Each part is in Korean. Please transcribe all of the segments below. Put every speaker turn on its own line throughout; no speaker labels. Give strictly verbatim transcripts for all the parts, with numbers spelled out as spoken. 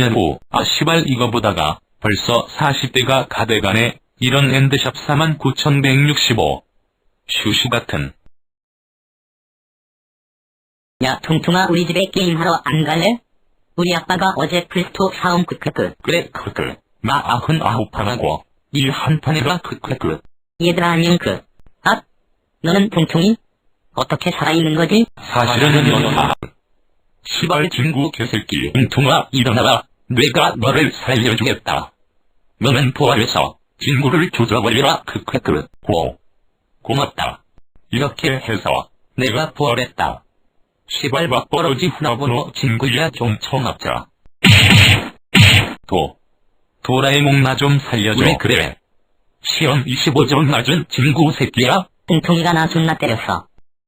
년 후 아 시발 이거 보다가 벌써 사십 대가 가돼가네. 이런 엔드샵 사만 구천백육십오. 슈슈 같은.
야 퉁퉁아 우리 집에 게임하러 안 갈래? 우리 아빠가 어제 플스토 사옴 크크크.
그래 크크. 나 아흔 아홉 판하고 일 한 판해라 크크크.
얘들아 안녕 그. 아 너는 퉁퉁이? 어떻게 살아있는 거지?
사실은 연하. 시발 친구 개새끼 퉁퉁아 일어나라. 내가 너를 살려주겠다. 너는 부활해서 친구를 조져버리라 크크크. 고. 고맙다. 이렇게 해서 내가 부활했다. 시발 막버러지 후라보노 친구야 좀 처먹자. 도. 도라에몽 나 좀 살려줘. 왜 그래? 시험 이십오 점 맞은 친구 새끼야?
퉁퉁이가 나 존나 때렸어.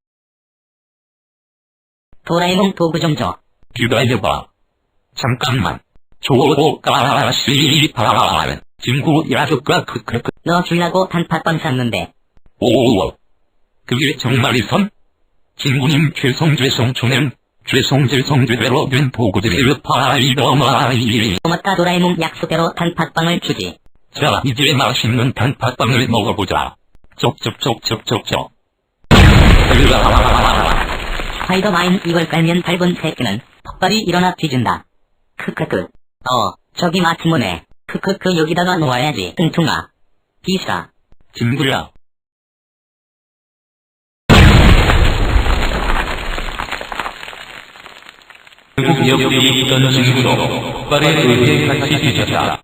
도라에몽 도구 좀 줘.
기다려봐. 잠깐만. 조오가 씨발 친구 야속가 크크크.
너 주려고 단팥빵 샀는데.
오오오. 그게 정말이선? 친구님 죄송 죄송 초는 죄송 죄송 죄대로 된 도구들이 파이더마이.
고맙다 도라에몽 약속대로 단팥빵을 주지.
자 이제 맛있는 단팥빵을 먹어보자. 쪽쪽쪽쪽쪽쪽.
스파이더마인 이걸 깔면 밟은 새끼는 턱발이 일어나 뒤진다. 크크크. 어 저기 마트모네. 크크크 여기다가 놓아야지. 퉁퉁아. 비싸.
친구야. 결국 여기 있던 친구도 턱발에 의해 같이 뒤졌다.